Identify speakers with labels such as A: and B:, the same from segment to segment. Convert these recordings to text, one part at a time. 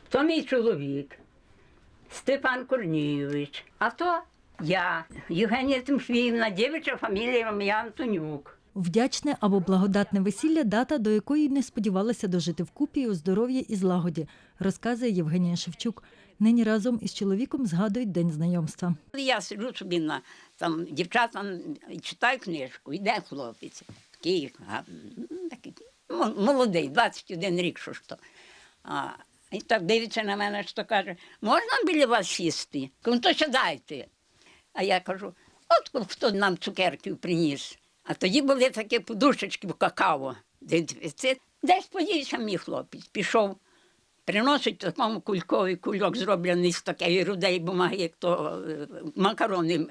A: То мій чоловік, Степан Корнійович, а то я, Євгенія Тимофіївна, дівча фамілія ім'я Антонюк.
B: Вдячне або благодатне весілля – дата, до якої не сподівалася дожити вкупі у здоров'ї і злагоді, розказує Євгенія Шевчук. Нині разом із чоловіком згадують день знайомства.
A: Я сиджу собі там дівчатам читаю книжку, йде хлопець, такий молодий, 21 рік, що ж то. І так дивиться на мене, що каже, можна біля вас сісти? Кажу, то сідайте. А я кажу, от хто нам цукерків приніс. А тоді були такі подушечки в какао. Десь подівся мій хлопець, пішов, приносить такому кульок зроблений з такої рудої бумаги, як то макарони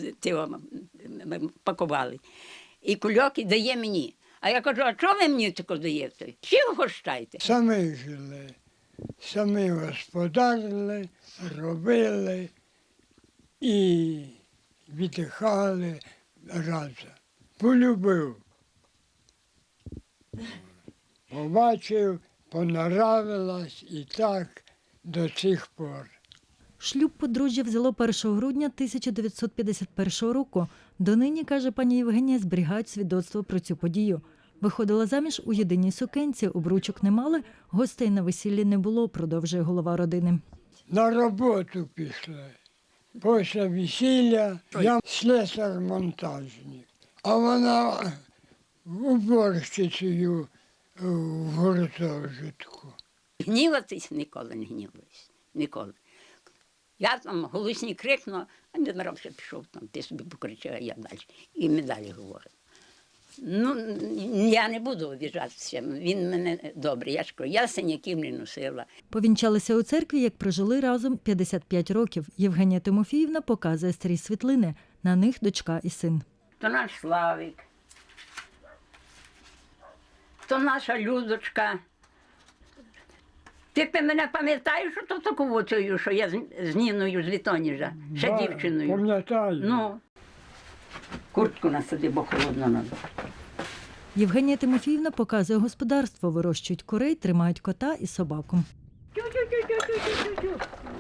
A: пакували. І кульок і дає мені. А я кажу, а чого ви мені таке даєте? Чи вгощайте?
C: Самі жили, самі господарили, робили і віддихали разом. Полюбив. Побачив, понравилось і так до цих пор.
B: Шлюб подружжя взяло 1 грудня 1951 року. Донині, каже пані Євгенія, зберігають свідоцтво про цю подію. Виходила заміж у єдиній сукенці, обручок не мали, гостей на весіллі не було, продовжує голова родини.
C: На роботу пішли. Після весілля я слесар-монтажник, а вона уборщицею в гуртожитку.
A: Гніватись ніколи не гніваюсь. Ніколи. Я там голосні крикну, а не нарався пішов там, ти собі покричав, а я далі. І ми далі говоримо. Ну, я не буду обіжатися, він мене добрий. Я ж кажу, я синяків не носила.
B: Повінчалися у церкві, як прожили разом 55 років. Євгенія Тимофіївна показує старі світлини. На них дочка і син.
A: То наш Славик, то наша Людочка. Ти мене пам'ятаєш, що то таку цю, що я з Ніною з Літоніжа, ще
C: Да,
A: дівчиною?
C: пам'ятаю.
A: Ну, куртку насади, бо холодно надо.
B: Євгенія Тимофіївна показує господарство. Вирощують курей, тримають кота і собаку.
A: Тю-тю-тю-тю-тю-тю-тю.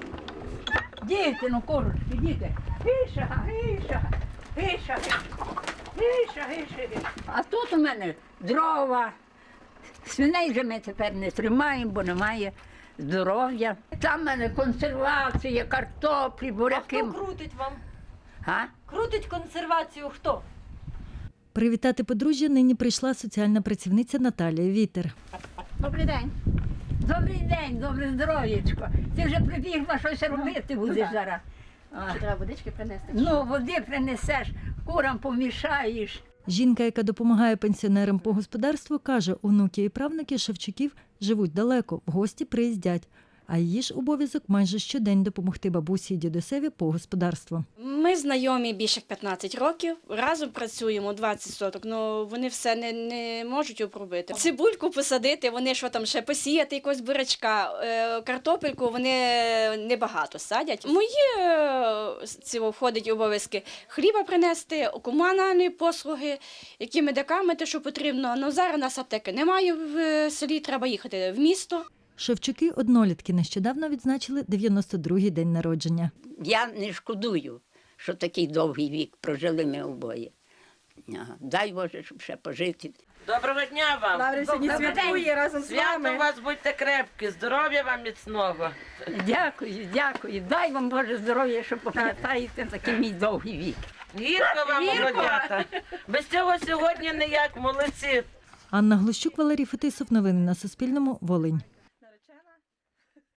A: Діти, ну курочки, діти. Гиша, гиша, гиша, гиша, гиша. А тут у мене дрова. Свиней вже ми тепер не тримаємо, бо немає здоров'я. Там в мене консервація, картоплі, буряки.
D: А хто крутить вам?
A: А?
D: Крутить консервацію хто?
B: Привітати подружжя нині прийшла соціальна працівниця Наталія Вітер.
A: Добрий день. Добрий день, добре здоров'ячко. Ти вже прибігла, щось робити будеш зараз.
D: Чи треба водички принести?
A: Ну, води принесеш, курам помішаєш.
B: Жінка, яка допомагає пенсіонерам по господарству, каже, онуки і правнуки Шевчуків живуть далеко, в гості приїздять. А її ж обов'язок майже щодень допомогти бабусі і дідусеві по господарству.
E: Ми знайомі більше 15 років, разом працюємо 20 соток, але вони все не можуть обробити. Цибульку посадити, вони що там ще посіяти якогось бурячка, картопельку вони небагато садять. Мої входять обов'язки хліба принести, комунальні послуги, які медикаменти, що потрібно. Але зараз у нас аптеки немає в селі, треба їхати в місто.
B: Шевчуки – однолітки, нещодавно відзначили 92-й день народження.
A: Я не шкодую, що такий довгий вік прожили ми обоє. Дай Боже, щоб ще пожити.
F: Доброго дня вам!
D: Лаврі сьогодні святкує разом з
F: Свято
D: вами.
F: у вас, будьте крепкі, здоров'я вам міцного.
A: Дякую, дякую. Дай вам Боже здоров'я, що пам'ятаєте такий мій довгий вік.
F: Гірко вам, молодята. Без цього сьогодні ніяк, молодці.
B: Анна Глущук, Валерій Фетисов. Новини на Суспільному. Волинь.